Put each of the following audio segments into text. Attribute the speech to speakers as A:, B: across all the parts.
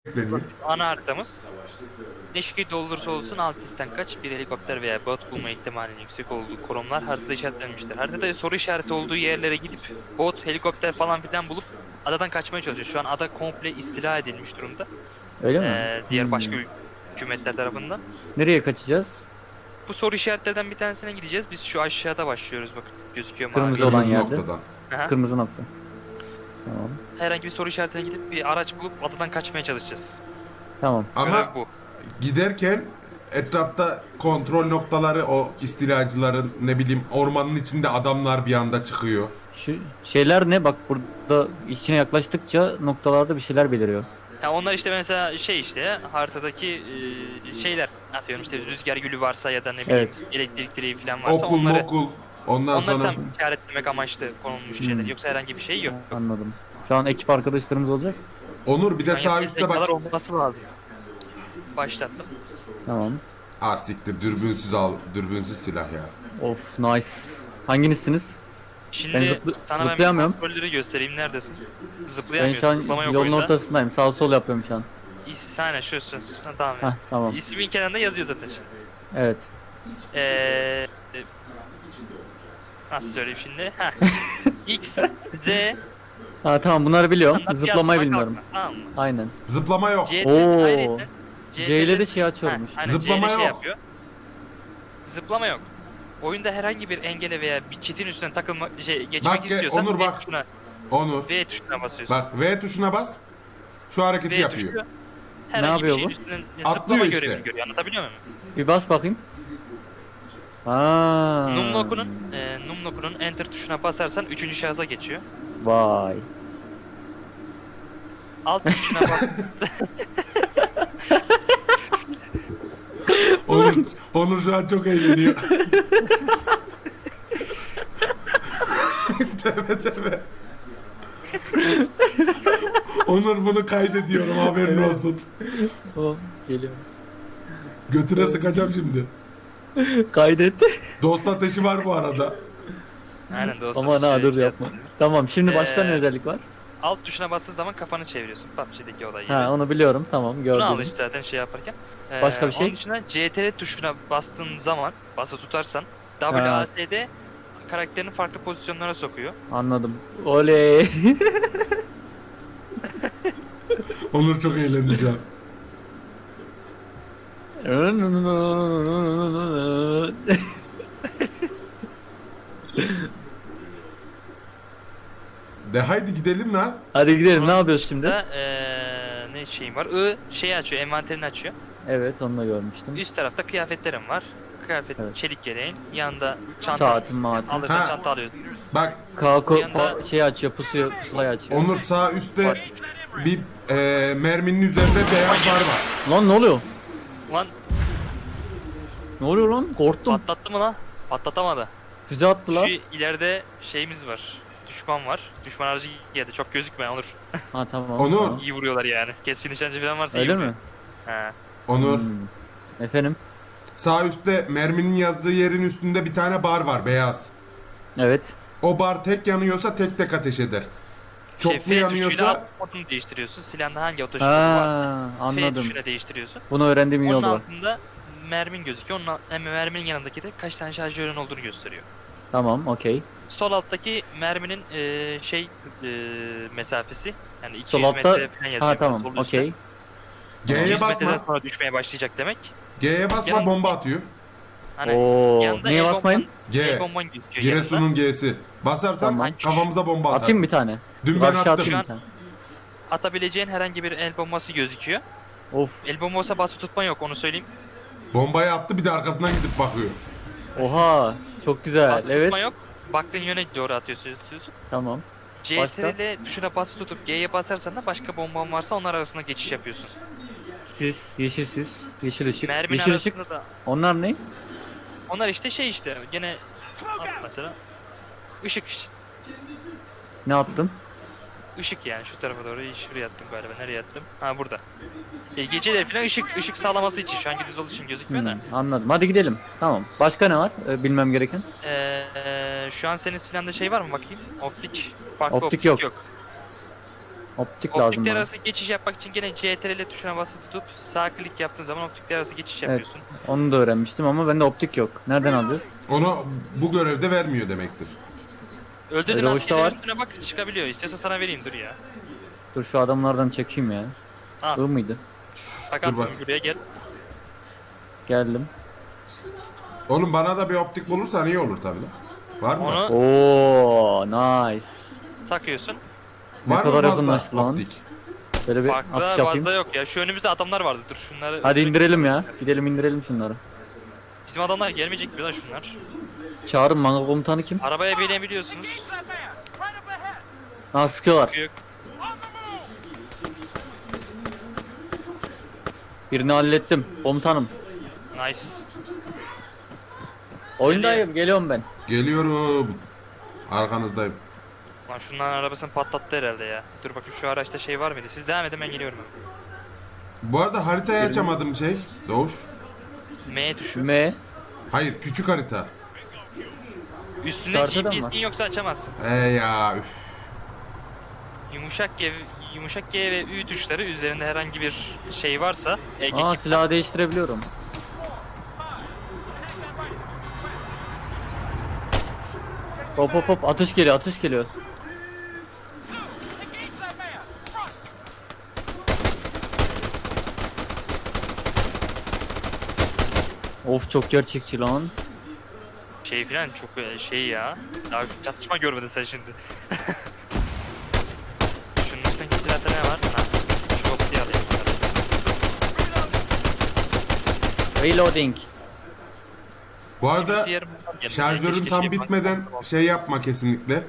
A: Bekleniyor.
B: Ana haritamız. Ne şekilde olursa olsun alt isten kaç bir helikopter veya bot bulma ihtimalinin yüksek olduğu konumlar haritada işaretlenmiştir. Haritada soru işareti olduğu yerlere gidip bot, helikopter falan filan bulup adadan kaçmaya çalışıyor. Şu an ada komple istila edilmiş durumda.
C: Öyle mi?
B: Diğer başka hükümetler tarafından.
C: Nereye kaçacağız?
B: Bu soru işaretlerden bir tanesine gideceğiz. Biz şu aşağıda başlıyoruz, bakın gözüküyor mavi.
C: Kırmızı olan
A: Kırmızı
C: yerde.
A: noktadan.
B: Aha.
C: Kırmızı nokta. Tamam.
B: Herhangi bir soru işaretine gidip bir araç bulup adadan kaçmaya çalışacağız.
C: Tamam.
B: Görev
A: Ama
B: bu.
A: giderken etrafta kontrol noktaları, o istilacıların, ne bileyim, ormanın içinde adamlar bir anda çıkıyor.
C: Şu şeyler ne? Bak burada içine yaklaştıkça noktalarda bir şeyler beliriyor.
B: Ya onlar işte mesela şey işte haritadaki şeyler atıyorum, işte rüzgar gülü varsa ya da ne bileyim elektrik direği falan varsa
A: Okul
B: onları
A: mokul. Ondan
B: onları
A: sonra
B: tam işaretlemek amaçlı konulmuş şeyler. Yoksa herhangi bir şey yok.
C: Anladım. Şu an ekip arkadaşlarımız olacak.
A: Onur bir de
B: Yani
A: sağ üstte
B: kadar
A: bak.
B: olması lazım. Başlattım.
C: Tamam.
A: Ah siktir, dürbünsüz al. Dürbünsüz silah ya.
C: Of nice. Hanginizsiniz?
B: Şimdi
C: Ben
B: sana ben
C: zıplayamıyorum.
B: kontrolleri göstereyim, neredesin?
C: Ben
B: Zıplayamıyorsun.
C: şu an
B: Zıplama yok
C: yolun
B: oyunda.
C: ortasındayım. Sağ sol yapıyorum şu an.
B: Aynen şu. Tamam.
C: Heh, tamam.
B: İsmin kenarında yazıyor zaten şimdi.
C: Evet.
B: Eee nasıl söyleyeyim şimdi? Heh. X, Z,
C: Ha tamam bunları biliyorum.
B: standart
C: Zıplamayı
B: yazma,
C: bilmiyorum.
B: kalkma, tamam mı?
C: Aynen.
A: Zıplama yok.
B: C,
C: Oo.
B: ayrıca
C: C ile de şey açıyormuş.
B: Aynen,
A: Zıplama
B: C ile şey
A: yok.
B: yapıyor. Zıplama yok. Oyunda herhangi bir engele veya bir çitin üstüne geçmek
A: Bak,
B: istiyorsan
A: Onur bak. Onur.
B: V tuşuna basıyorsun.
A: Bak, V tuşuna bas. Şu hareketi
B: V
A: yapıyor.
B: tuşu herhangi
C: yapıyor
B: bir şeyin
C: bu?
B: üstünden
A: Atlıyor
B: zıplama
A: işte.
B: görevini görüyor. Anlatabiliyor muyum?
C: Bir bas bakayım. Aa.
B: Numlock'un enter tuşuna basarsan 3. şahısa geçiyor.
C: Vay.
B: Alt tuşuna bas.
A: Onur şu an çok eğleniyor. Tövbe tövbe. Onur, bunu kaydediyorum, haberin olsun.
C: Tamam geliyorum.
A: Götüne sıkacağım şimdi.
C: Kaydet.
A: Dost ateşi var bu arada.
B: Aynen dostum.
C: Aman ha dur yapma. Tamam şimdi başka ne
B: Ee,
C: özellik var?
B: Alt tuşuna bastığın zaman kafanı çeviriyorsun. PUBG'deki olay gibi.
C: Ha onu biliyorum tamam
B: Bunu
C: gördüm.
B: al işte zaten şey yaparken.
C: Başka bir şey?
B: Onun dışında CTRL tuşuna bastığın zaman, bası tutarsan WASD karakterini farklı pozisyonlara sokuyor.
C: Anladım. Oley.
A: Onur çok eğlendi şu an. De haydi gidelim lan.
C: Hadi gidelim ne yapıyoruz şimdi?
B: Da, ne şeyim var? Şeyi açıyor, envanterini açıyor.
C: Evet onu da görmüştüm.
B: Üst tarafta kıyafetlerim var. Kıyafet,
C: Evet.
B: çelik yeleğin. Yanında çanta.
C: Saatim maatim.
B: Alırsan
A: Ha.
B: çanta alıyorsun.
A: Bak
C: Kako
B: Bir yanda-
C: şey açıyor pusulayı açıyor.
A: Onur, sağ üstte bir merminin üzerinde beyaz bar var.
C: Lan ne oluyor?
B: Ulan
C: Ne oluyor lan? Korktum.
B: patlattı mı lan? Patlatamadı.
C: Füze attı lan.
B: Şu ileride şeyimiz var. Düşman var. Düşman aracı geldi. Çok gözükme Onur.
C: Ha tamam.
A: Onur.
C: tamam.
B: İyi vuruyorlar yani. Keskin nişancı falan varsa iyi
C: Öyle
B: vuruyor.
C: mi?
B: He.
A: Onur,
C: Efendim?
A: sağ üstte merminin yazdığı yerin üstünde bir tane bar var, beyaz.
C: Evet.
A: O bar tek yanıyorsa tek tek ateş eder. Çoklu
B: F tuşuyla
A: yanıyorsa
B: modunu değiştiriyorsun. Silahında hangi otoşutu var?
C: Ha
B: F
C: anladım.
B: tuşuyla değiştiriyorsun.
C: Bunu öğrendiğim iyi
B: Onun
C: oldu bak.
B: altında mermin gözüküyor. Hem merminin yanındaki de kaç tane şarjörün olduğunu gösteriyor.
C: Tamam okey.
B: Sol alttaki merminin mesafesi. Yani 200
C: Sol altta
B: metre falan yazıyor.
C: ha tamam
B: Sol üstte.
C: okey.
B: 200
A: G'ye
B: metreden
A: basma.
B: sonra düşmeye başlayacak demek.
A: G'ye basma,
B: Yanında-
A: bomba atıyor.
B: Hani
C: Oo
B: yanında
C: neye basmayın?
A: G.
B: El bomban gözüküyor yanında.
A: Giresun'un G'si. Basarsan
C: Tamam.
A: kafamıza bomba atarsın.
C: Atayım bir tane.
A: Dün ben
C: Aşağı
A: attım.
C: atayım
B: Şu
C: bir tane.
B: Atabileceğin herhangi bir el bombası gözüküyor.
C: Of.
B: El bombası bası tutma yok, onu söyleyeyim.
A: Bombayı attı, bir de arkasından gidip bakıyor.
C: Oha çok güzel.
B: Bası
C: Evet.
B: tutma yok. Baktığın yöne doğru atıyorsun.
C: Tamam. Başka?
B: CTRL tuşuna bası tutup G'ye basarsan da başka bomban varsa onlar arasında geçiş yapıyorsun.
C: Sis, yeşil sis, yeşil ışık.
B: Mermin
C: Yeşil ışık.
B: arasında da
C: Onlar ne?
B: onlar işte şey işte gene at mesela. Işık işte.
C: Ne attın?
B: Işık yani şu tarafa doğru, şuraya attım galiba. Nereye attım? Ha burada. Geceleri falan ışık sağlaması için, şu an gündüz olduğu için gözükmüyor da.
C: Anladım. Hadi gidelim. Tamam. Başka ne var? Bilmem gereken.
B: Şu an senin silahında şey var mı bakayım? Optik. Farklı
C: Optik
B: optik
C: yok.
B: yok.
C: Optik lazım
B: Optikler
C: bana.
B: arası geçiş yapmak için gene CTRL tuşuna basılı tutup sağ klik yaptığın zaman optikler arası geçiş
C: Evet.
B: yapıyorsun.
C: Onu da öğrenmiştim ama bende optik yok. Nereden alacağız?
A: Onu bu görevde vermiyor demektir.
B: Öldürdüğün
C: Öyle hoşta
B: askerlerin
C: var.
B: üstüne bak çıkabiliyor. İstiyorsan sana vereyim dur ya.
C: Dur şu adamlardan çekeyim ya.
B: Al.
C: Bu mıydı?
B: Bak
A: Dur
B: attım
A: bak.
B: buraya gel.
C: Geldim.
A: Oğlum bana da bir optik bulursan iyi olur tabii lan. Var mı?
B: Onu
C: Oo, nice.
B: takıyorsun.
C: Ne
A: Var mı
C: kadar
A: fazla
C: yakınlaştı lan.
A: optik?
C: Şöyle bir
B: Farklı
C: atış yapayım.
B: fazla yok ya. Şu önümüzde adamlar vardı. Dur şunları.
C: Hadi indirelim ya. Gidelim indirelim şunları.
B: Bizim adamlar gelmeyecek mi lan şunlar?
C: Çağırın manga komutanı kim?
B: Arabaya binebiliyorsunuz.
C: Ha sıkıyorlar.
B: Yok.
C: Birini hallettim komutanım.
B: Nice.
C: Oyundayım geliyorum ben.
A: Geliyorum. Arkanızdayım.
B: Lan şunların arabasını patlattı herhalde ya. Dur bakayım şu araçta şey var mıydı? Siz devam edin ben geliyorum.
A: Bu arada haritayı açamadım şey. Doğuş.
B: M tuşu.
C: M.
A: Hayır küçük harita.
B: Üstünde
C: Çıkartıda mı
B: GPS'in yoksa açamazsın.
A: Ya üf.
B: Yumuşak G ve Ü tuşları üzerinde herhangi bir şey varsa ek
C: Aa
B: ekip
C: silahı değiştirebiliyorum. Hop hop hop atış geliyor atış geliyor. Of çok gerçekçi lan.
B: şey filan çok şey ya. Daha şu çatışma görmedin sen şimdi. Şunun üstündeki silahta ne var? Ha. Şu optiği alayım.
C: Reloading.
A: Bu arada
B: Diğer-
A: şarjörün
B: Keşke
A: tam
B: şey
A: bitmeden şey yapma kesinlikle.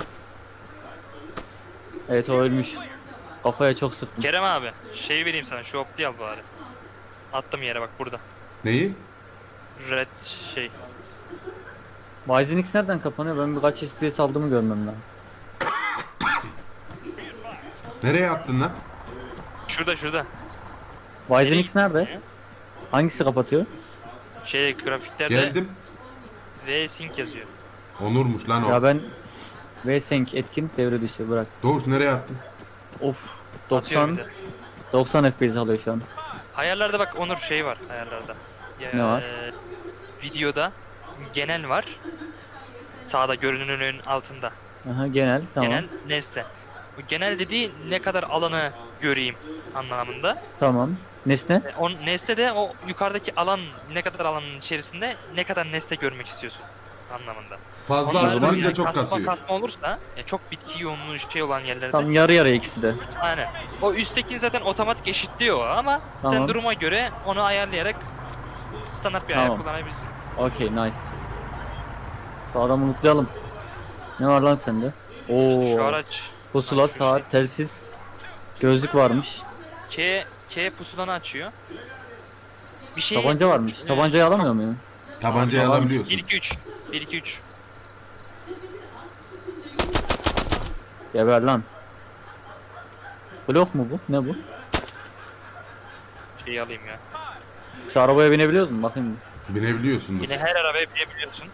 C: Evet o ölmüş. Kafaya çok sıktım.
B: Kerem abi şey vereyim sana şu optiği al bari. Attım yere bak burada.
A: Neyi?
B: Red şey.
C: Wyzenix nereden kapanıyor? Ben birkaç FPS aldığımı görmem lazım.
A: Nereye attın lan?
B: Şurada.
C: Wyzenix nerede? Hangisi kapatıyor?
B: Şey grafiklerde
A: Geldim.
B: V sync yazıyor.
A: Onurmuş lan o.
C: Ya ben VSync etkin devre dışı bırak.
A: Doğuş nereye attın?
C: Of
B: Atıyor
C: 90
B: bir de.
C: 90 FPS alıyor şu an.
B: Ayarlarda bak Onur şey var ayarlarda.
C: Ne var?
B: Videoda genel var. Sağda görünümün altında.
C: Aha genel tamam.
B: Genel nesne. Bu genel dediği ne kadar alanı göreyim anlamında.
C: Tamam. Nesne?
B: O nesne de o yukarıdaki alan ne kadar alanın içerisinde ne kadar nesne görmek istiyorsun anlamında.
A: Fazla
B: Onlar
A: arttırınca
B: yani
A: çok kasıyor.
B: kasma olursa çok bitki yoğunluğu şey olan yerlerde.
C: Tam yarı yarıya ikisi de.
B: Aynen. O üstteki zaten otomatik eşitliyor ama sen
C: Tamam.
B: duruma göre onu ayarlayarak standart bir ayar
C: Tamam.
B: kullanabilirsin.
C: Okey nice. Şu adamı unutlayalım. Ne var lan sende? Oo.
B: Şu araç
C: Pusula,
B: şu
C: saat, telsiz, gözlük varmış.
B: K pusulanı açıyor. Bir şey
C: Tabanca varmış. Tabancayı alamıyor muyum?
A: Tabancayı
C: Tamam.
A: alabiliyorsun.
B: 1 2 3 1 2 3
C: Geber lan. Blok mu bu? Ne bu?
B: şeyi alayım ya.
C: Şu arabaya binebiliyoruz mu? Bakayım.
A: Binebiliyorsundur.
B: Yine her arabaya binebiliyorsun.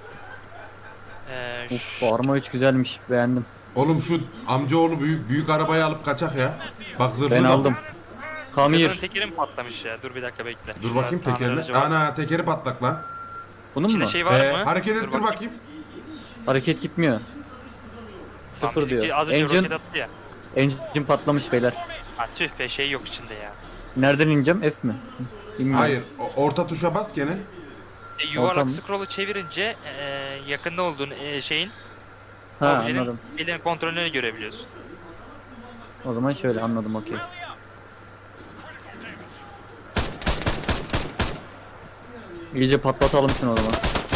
C: Uf arma 3 güzelmiş. Beğendim.
A: Oğlum şu amcaoğlu büyük arabayı alıp kaçak ya. Bak zırhlı
C: Ben
A: da-
C: aldım.
B: Sezonun
C: Kamir.
B: tekerim patlamış ya. Dur bir dakika bekle.
A: Dur
B: Şurada
A: bakayım
B: tamir
A: tekerine.
B: aracı var.
A: Ana tekeri patlak lan.
C: Bunun
B: İçinde
C: mu?
B: şey var mı?
A: Hareket
B: Dur
A: ettir bakayım.
C: Hareket gitmiyor.
B: Tamam,
C: Sıfır
B: bizimki
C: diyor.
B: Az önce roket
C: Engine,
B: attı ya.
C: engine patlamış beyler.
B: Ha tüh be şey yok içinde ya.
C: Nereden ineceğim? F mi? Bilmiyorum.
A: Hayır. Orta tuşa bas gene.
B: Yuvarlak
C: Ortam.
B: scroll'u çevirince yakında olduğun şeyin
C: Ha
B: objenin
C: anladım.
B: elinin kontrolünü görebiliyorsun.
C: O zaman şöyle anladım okey. İyice patlatalım şunu o zaman.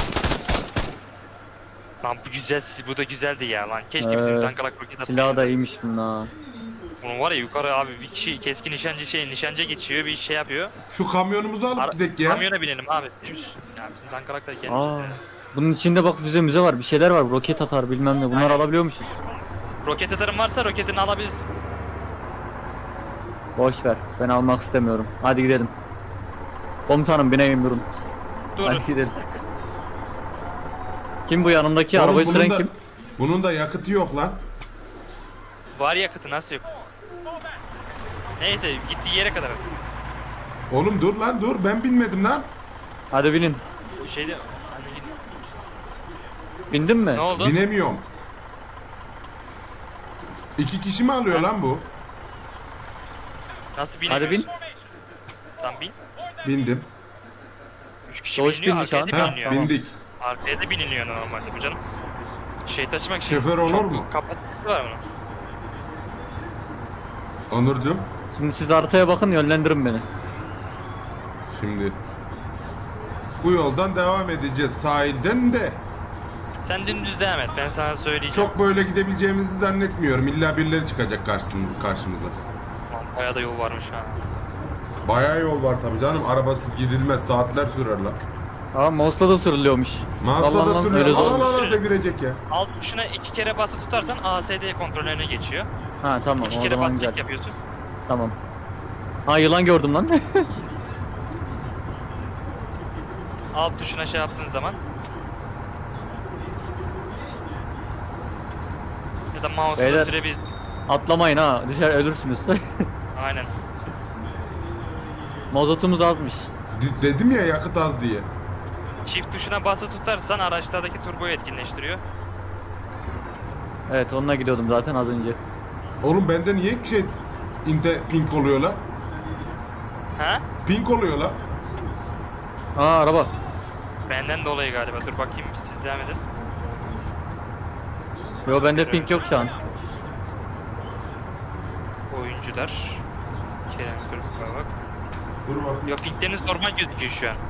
B: Lan bu da güzeldi ya lan. Keşke bizim
C: Evet.
B: tankalak roket atmayı.
C: Silahı da iyiymiş bunun ha.
B: Bunun var ya yukarı abi bir kişi keskin nişancı geçiyor bir şey yapıyor.
A: Şu kamyonumuzu alıp gidek ya.
B: Kamyona binelim abi. Bizim tankalak da gelmiş.
C: Aa. Bunun içinde bak müze var. Bir şeyler var. Roket atar bilmem ne. Bunlar
B: Aynen.
C: alabiliyormuşuz.
B: Roket atarın varsa roketini alabilirsin.
C: Boş ver. Ben almak istemiyorum. Hadi gidelim. Komutanım bineyim durun.
B: Dur.
C: Hadi gidelim. Kim bu yanındaki?
A: Oğlum,
C: Arabayı
A: bunun
C: süren
A: da-
C: kim?
A: Bunun da yakıtı yok lan.
B: Var yakıtı nasıl yok? Neyse gittiği yere kadar artık.
A: Oğlum dur lan dur, ben binmedim lan.
C: Hadi binin.
B: Şeyde hani
C: Bindin mi?
B: ne oldu?
A: Binemiyorum. 2 kişi mi alıyor lan bu?
B: Nasıl
C: Hadi
B: biniyorsun?
C: bin.
B: Tam bin.
A: Bindim.
B: 3 kişi
C: Doğuş
B: biniliyor,
C: bindi şu
B: arkaya
C: an.
B: da
A: Ha,
B: biniliyor.
A: bindik.
B: Arkaya da biniliyor normalde bu canım. Şey taşımak için
A: Şoför olur
B: çok
A: mu?
B: kapasitesi var bunun.
A: Onurcuğum.
C: Şimdi siz haritaya bakın, yönlendirin beni.
A: Şimdi bu yoldan devam edeceğiz sahilden de.
B: Sen dümdüz devam et, ben sana söyleyeceğim.
A: Çok böyle gidebileceğimizi zannetmiyorum. İlla birileri çıkacak karşımıza.
B: Lan bayağı da yol varmış ha.
A: Bayağı yol var tabii canım. Arabasız gidilmez. Saatler sürer lan.
C: Aa, mouse'la da sürülüyormuş.
A: Mouse'la
C: Allah'ım,
B: öyle
A: da sürüyor.
C: zormuş.
A: Al al al devirecek ya.
B: Alt tuşuna 2 kere basılı tutarsan ASD kontrollerine geçiyor.
C: Ha tamam,
B: 2
C: o
B: kere
C: zaman
B: basacak
C: güzel.
B: yapıyorsun.
C: Tamam. Ha, yılan gördüm lan.
B: Alt tuşuna şey yaptığın zaman ya da mouse'la
C: Beyler.
B: sürebilirsin.
C: Atlamayın ha, düşer ölürsünüz.
B: Aynen.
C: Mazotumuz azmış.
A: Dedim ya yakıt az diye.
B: Çift tuşuna basılı tutarsan araçlardaki turboyu etkinleştiriyor.
C: Evet, onunla gidiyordum zaten az önce.
A: Oğlum bende niye pink oluyor la?
B: Ha?
A: Pink oluyor la.
C: Aa, araba.
B: Benden dolayı galiba. Dur bakayım, siz devam edin.
C: Yo, bende pink yok şu an.
B: Oyuncular. Kerem Kırık'a bak.
A: Dur bakayım.
B: Ya pinkleriniz normal gözüküyor şu an.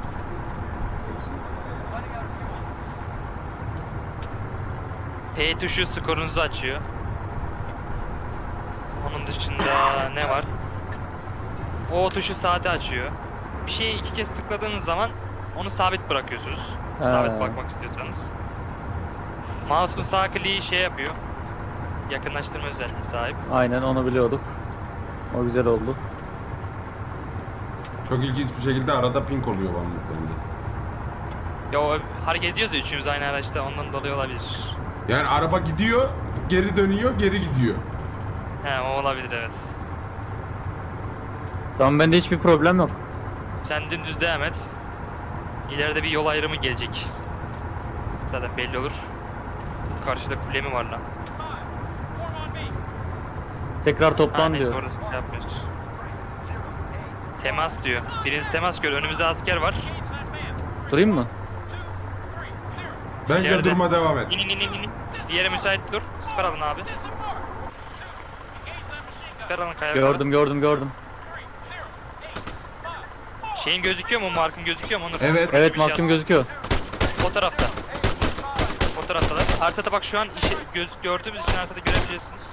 B: P tuşu skorunuzu açıyor. Onun dışında ne var? O tuşu saati açıyor. Bir şeyi 2 kez tıkladığınız zaman onu sabit bırakıyorsunuz.
C: He.
B: Sabit bakmak istiyorsanız. Mouse'un sağ kliği şey yapıyor. Yakınlaştırma özelliğine sahip.
C: Aynen, onu biliyorduk. O güzel oldu.
A: Çok ilginç bir şekilde arada pink oluyor bende.
B: Ya o hareket ediyoruz ya üçümüz aynı araçta, ondan dolayı olabilir.
A: Yani araba gidiyor, geri dönüyor, geri gidiyor.
B: He, o olabilir, evet.
C: Tamam, bende hiçbir problem yok.
B: Sen dümdüz devam et. İleride bir yol ayrımı gelecek. Zaten belli olur. Karşıda kule mi var lan?
C: Tekrar toplan
B: neyse,
C: diyor.
B: orası şey yapmıyoruz. Temas diyor. Biriniz temas gör. Önümüzde asker var.
C: Durayım mı?
A: Bence
B: İleride.
A: durma devam et.
B: İn in in in in. Diğeri müsait dur. Siper alın abi. Siper alın kaya.
C: Gördüm.
B: Şeyin gözüküyor mu? Markın gözüküyor mu? Onur?
A: Evet.
B: Turuncu
C: Evet,
B: bir şey
C: mahkum
B: at.
C: gözüküyor.
B: O tarafta. O taraftalar. Haritada bak, şu an gördüğümüz için haritada görebiliyorsunuz.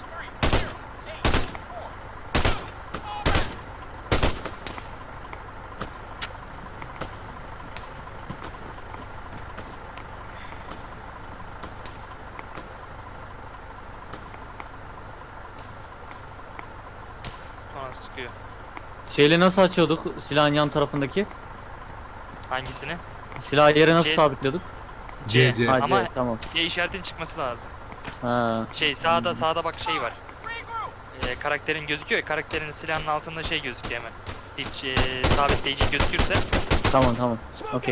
B: Sonra sıkıyor.
C: Şeyle nasıl açıyorduk silahın yan tarafındaki?
B: Hangisini?
C: Silahı yere nasıl
B: Şey-
C: sabitliyorduk?
A: CC.
C: Hadi
B: Ama-
C: tamam.
B: Y işaretin çıkması lazım.
C: Ha.
B: Şey sağda bak şey var. Karakterin gözüküyor ya, karakterin silahının altında şey gözüküyor hemen. Sabitleyici gözükürse
C: Tamam. Okey.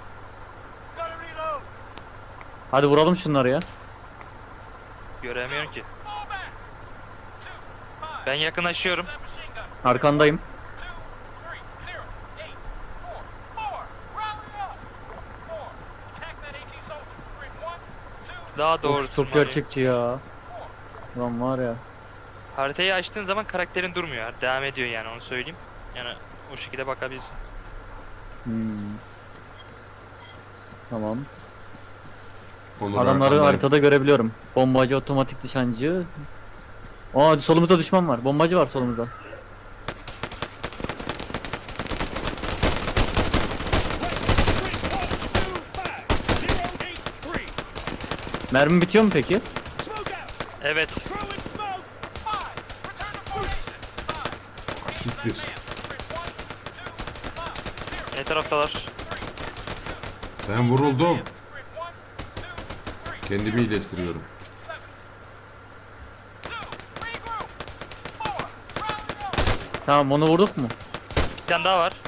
C: Hadi vuralım şunları ya.
B: göremiyorum ki. Ben yakınlaşıyorum.
C: Arkandayım.
B: Daha doğrusu
C: Of, çok gerçekçi ya. Lan var ya.
B: haritayı açtığın zaman karakterin durmuyor. Devam ediyor yani, onu söyleyeyim. Yani o şekilde bakabilirsin.
C: Hmm. Tamam.
A: Onur
C: Adamları
A: arkandayım.
C: haritada görebiliyorum. Bombacı, otomatik nişancı. Aa, solumuzda düşman var. Bombacı var solumuzda. Mermi bitiyor mu peki?
B: Evet.
A: Siktir.
B: Ne taraftalar?
A: Ben vuruldum. Kendimi iyileştiriyorum.
C: Tamam onu vurduk mu?
B: Bir tane daha var.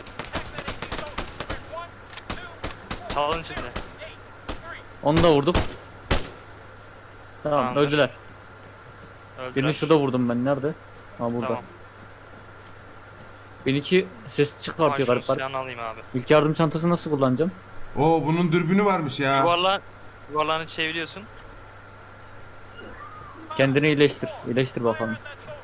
B: Çalın içinde.
C: Onu da vurduk. Tamam
B: Tamamdır.
C: öldüler.
B: Öldüler.
C: Birini şurada vurdum ben. Nerede? Ha burada.
B: Tamam.
C: Benimki ses çıkartıyor
B: Şunun
C: garip garip.
B: silahını alayım abi.
C: İlk yardım çantası nasıl kullanacağım?
A: Oo bunun dürbünü varmış ya.
B: Yuvarlağını çeviriyorsun.
C: Kendini iyileştir. İyileştir bakalım.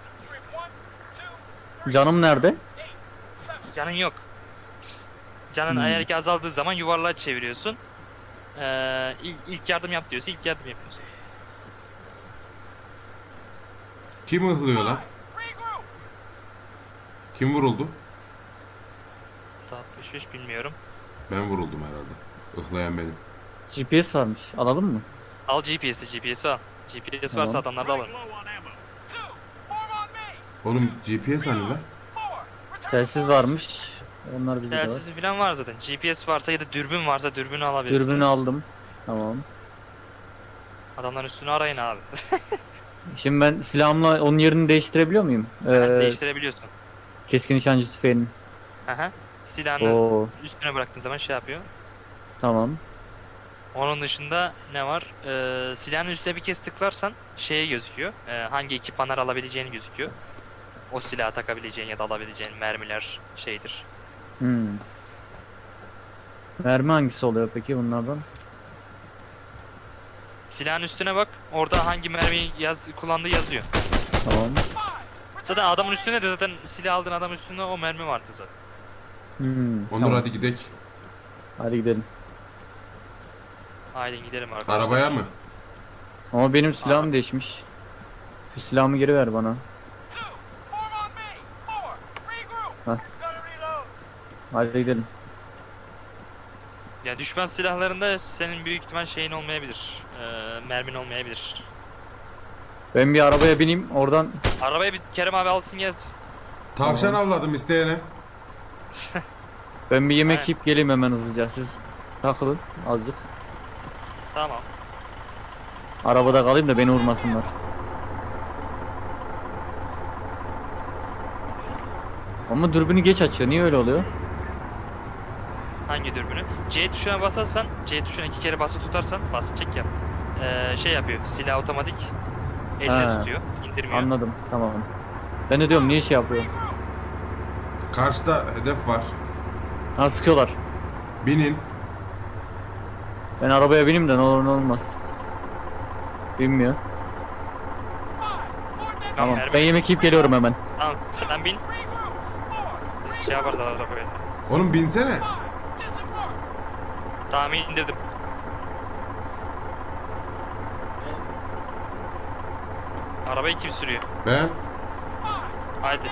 C: Canım nerede?
B: Canın yok. Canın eğer ki azaldığı zaman yuvarlağı çeviriyorsun. İlk yardım yap diyorsa ilk yardım yapıyorsun.
A: Kim ıhlıyor lan? Kim vuruldu?
B: 65 bilmiyorum.
A: Ben vuruldum herhalde. Ihlayan benim.
C: GPS varmış. Alalım mı?
B: Al GPS'i al. GPS
C: Tamam.
B: varsa adamlar da alın.
A: Oğlum GPS hani lan?
C: Telsiz varmış. Onlar bizde de var.
B: Telsiz falan var zaten. GPS varsa ya da dürbün varsa dürbünü alabilirsiniz.
C: Dürbünü aldım. Tamam.
B: Adamların üstünü arayın abi.
C: Şimdi ben silahımla onun yerini değiştirebiliyor muyum?
B: Değiştirebiliyorsun.
C: Keskin nişancı tüfeğinin.
B: Aha. Silahını
C: Oo,
B: üstüne bıraktığın zaman şey yapıyor.
C: tamam.
B: Onun dışında ne var? Silahın üstüne bir kez tıklarsan şeye gözüküyor. Hangi ekipmanlar alabileceğini gözüküyor. O silahı takabileceğin ya da alabileceğin mermiler şeydir.
C: Hmm. Mermi hangisi oluyor peki bunlardan?
B: Silahın üstüne bak. Orada hangi mermiyi kullandığı yazıyor.
C: Tamam.
B: Zaten adamın üstünde de zaten silah aldığın adamın üstünde o mermi vardı zaten.
C: Hmm.
A: Onur hadi gidek.
C: Hadi gidelim.
B: Haydi gidelim arkadaşlar.
A: Arabaya mı?
C: Ama benim silahım değişmiş. Şu silahımı geri ver bana. Hadi gidelim.
B: Ya düşman silahlarında senin büyük ihtimal şeyin olmayabilir. Mermin olmayabilir.
C: Ben bir arabaya bineyim oradan.
B: Arabaya bir Kerem abi alsın gelsin.
A: Tavşan avladım isteyene.
C: Ben bir yemek
B: Aynen.
C: yiyip geleyim hemen hızlıca. Siz takılın azıcık.
B: Tamam.
C: Arabada kalayım da beni vurmasınlar. Ama dürbünü geç açıyor. Niye öyle oluyor?
B: Hangi dürbünü? C tuşuna basarsan, C tuşuna 2 kere bası tutarsan, bas çek yap. Şey yapıyor, silah otomatik elle
C: Ha,
B: tutuyor, indirmiyor.
C: Anladım. Tamam. Ben de diyorum niye şey yapıyor?
A: Karşıda hedef var.
C: Ha sıkıyorlar.
A: Binin.
C: Ben arabaya bineyim de ne olur ne olmaz. Binmiyor. Tamam.
B: mermi-
C: Ben yemek yiyip geliyorum hemen.
B: Tamam, sen bin. Biz şey yaparız arabaya.
A: Oğlum binsene.
B: Tamam indirdim. Arabayı kim sürüyor?
A: Ben.
B: Haydi.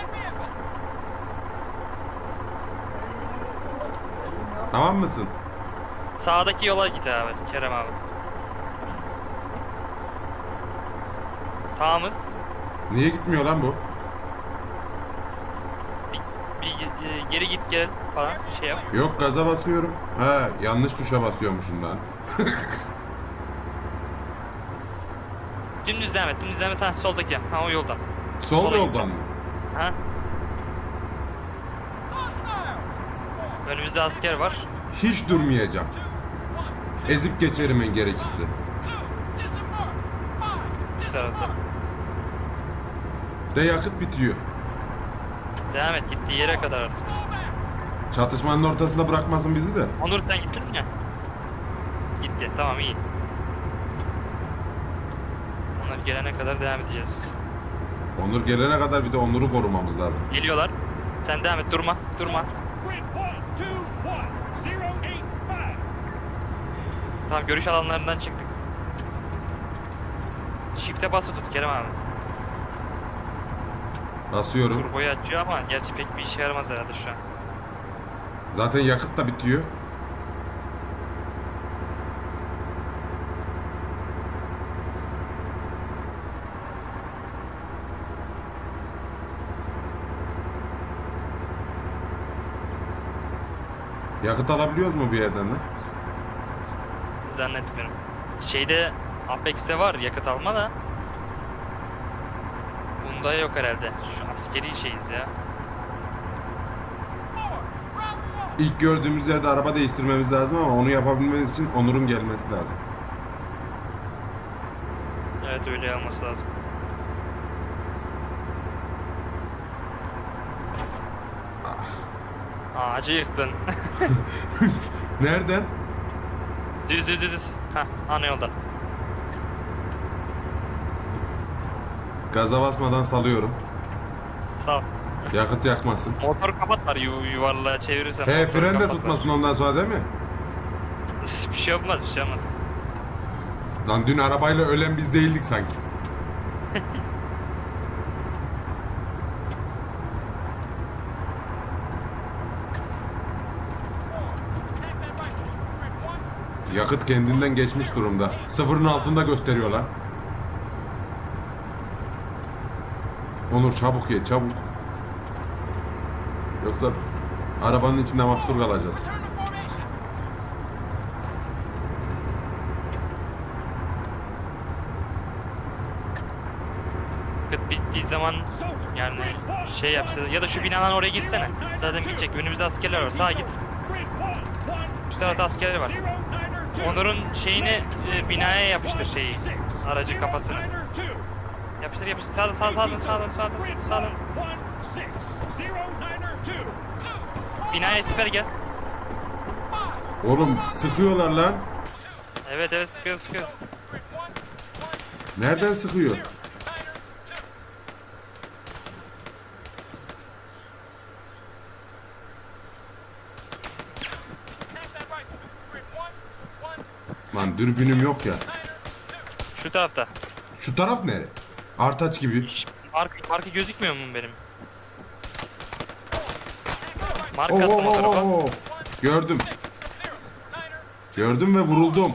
A: Tamam mısın?
B: Sağdaki yola git abi, Kerem abi. Tamamız.
A: Niye gitmiyor lan bu?
B: Geri git gel falan şey yap.
A: Yok gaza basıyorum. Ha yanlış tuşa basıyormuşum lan.
B: Dümdüz devam et, dümdüz devam et. Ha soldaki, ha o yoldan.
A: Sol
B: Sola
A: yoldan
B: gideceğim.
A: mı?
B: Ha? Önümüzde asker var.
A: Hiç durmayacağım. Ezip geçerim en gerekirse.
B: Bir tarafta.
A: De yakıt bitiyor.
B: Devam et gittiği yere kadar artık.
A: Çatışmanın ortasında bırakmasın bizi de.
B: Onur sen gittin mi? Gitti, tamam iyi. Onlar gelene kadar devam edeceğiz.
A: Onur gelene kadar bir de Onur'u korumamız lazım.
B: Geliyorlar. Sen devam et, durma, durma. Tamam, görüş alanlarından çıktık. Shift'e bası tut Kerem abi.
A: Basıyorum.
B: Turboyu açıyor ama gerçi pek bir işe yaramaz herhalde şu an.
A: Zaten yakıt da bitiyor. Yakıt alabiliyoruz mu bir yerden lan?
B: Zannetmiyorum. Şeyde Apex'te var yakıt alma da. Bunda yok herhalde. Şu askeri şeyiz ya.
A: İlk gördüğümüz yerde araba değiştirmemiz lazım ama onu yapabilmemiz için Onur'un gelmesi lazım.
B: Evet öyle olması lazım. Ağacı yıktın.
A: Nereden?
B: Düz düz düz. Hah ana yoldan.
A: Gaza basmadan salıyorum.
B: Sağ ol.
A: Yakıt yakmasın.
B: Motoru kapat var yuvarlığa çevirirsen.
A: He
B: motoru
A: fren de
B: kapat var.
A: tutmasın ondan sonra değil mi?
B: Bir şey olmaz bir şey olmaz.
A: Lan dün arabayla ölen biz değildik sanki. Yakıt kendinden geçmiş durumda. Sıfırın altında gösteriyorlar. Onur çabuk ye çabuk. Yoksa arabanın içinde mahsur kalacağız.
B: Yakıt bittiği zaman yani şey yapsa ya da şu binadan oraya girsene. Zaten gidecek. Önümüzde askerler var. Sağa git. Şu tarafta askerler var. Onur'un şeyini binaya yapıştır şeyi. Aracın kafasını. Yapıştır yapıştır. Sağdan. Binaya siper gel.
A: Oğlum sıkıyorlar lan.
B: Evet sıkıyor.
A: Nereden sıkıyor? Lan dürbünüm yok ya.
B: Şu tarafta.
A: Şu taraf nere? Artaç gibi.
B: Marka gözükmüyor mu benim?
A: Oo,
B: Marka attım o tarafa.
A: Gördüm. Gördüm ve vuruldum.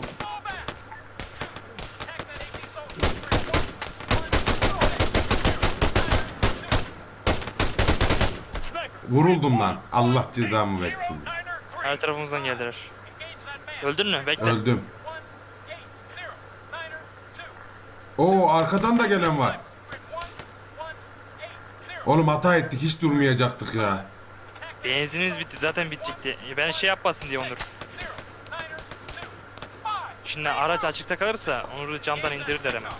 A: Vuruldum lan. Allah cezamı versin.
B: Her tarafımızdan geldiler. Öldün mü? Bekle.
A: Öldüm. Oo arkadan da gelen var. Oğlum hata ettik. Hiç durmayacaktık ya.
B: Benzinimiz bitti. Zaten bitecekti. Ben şey yapmasın diye Onur. Şimdi araç açıkta kalırsa Onur'u camdan indirirler hemen.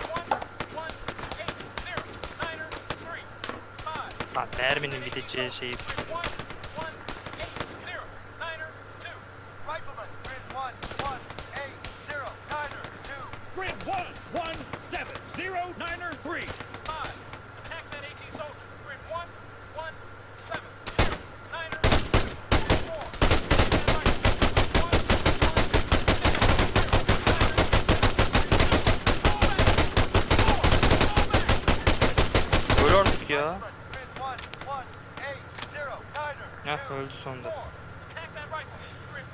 B: Ha, merminin biteceği şeyi.
D: Grid 11709er3. Attack that AT soldier. Grid 11709er4.
B: Öl artık ya. Heh öldü sonunda.
D: Attack that rifle. Grid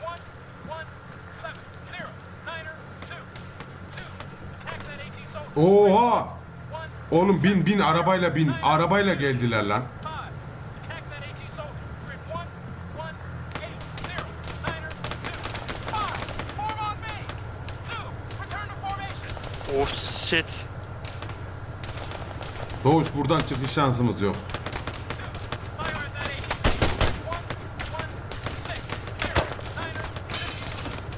D: 11709er2. Attack that AT soldier.
A: Oha! Oğlum bin arabayla bin. Arabayla geldiler lan.
D: Attack that AT soldier. Grid 11809er2. Form on me. 2. Return to formation.
B: Oh shit.
A: Doğuş buradan çıkış şansımız yok.
D: Fire at that AT. 11609er2.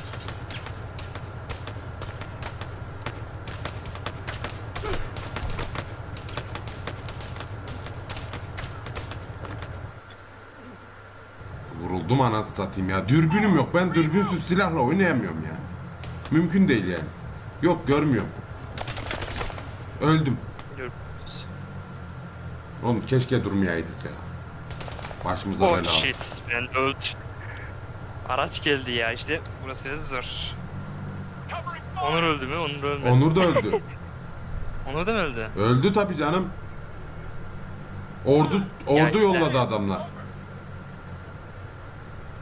A: Vuruldum anasını satayım ya. Dürbünüm yok. Ben dürbünsüz silahla oynayamıyorum ya. Mümkün değil yani. Yok görmüyorum. Öldüm.
B: Dur.
A: Oğlum keşke durmayaydık ya. Başımıza
B: Oh
A: bela.
B: shit. Ben öldüm. Araç geldi ya işte. Burası zor. Onur öldü mü? Onur ölmedi.
A: Onur da öldü.
B: Onur da mı öldü?
A: Öldü tabii canım. Ordu
B: Ya
A: yolladı
B: işte.
A: adamlar.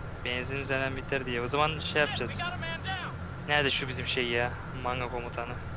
B: Benzinimiz hemen biter diye. O zaman şey yapacağız.
D: We got a man down.
B: Nerede şu bizim şey ya? Manga komutanı.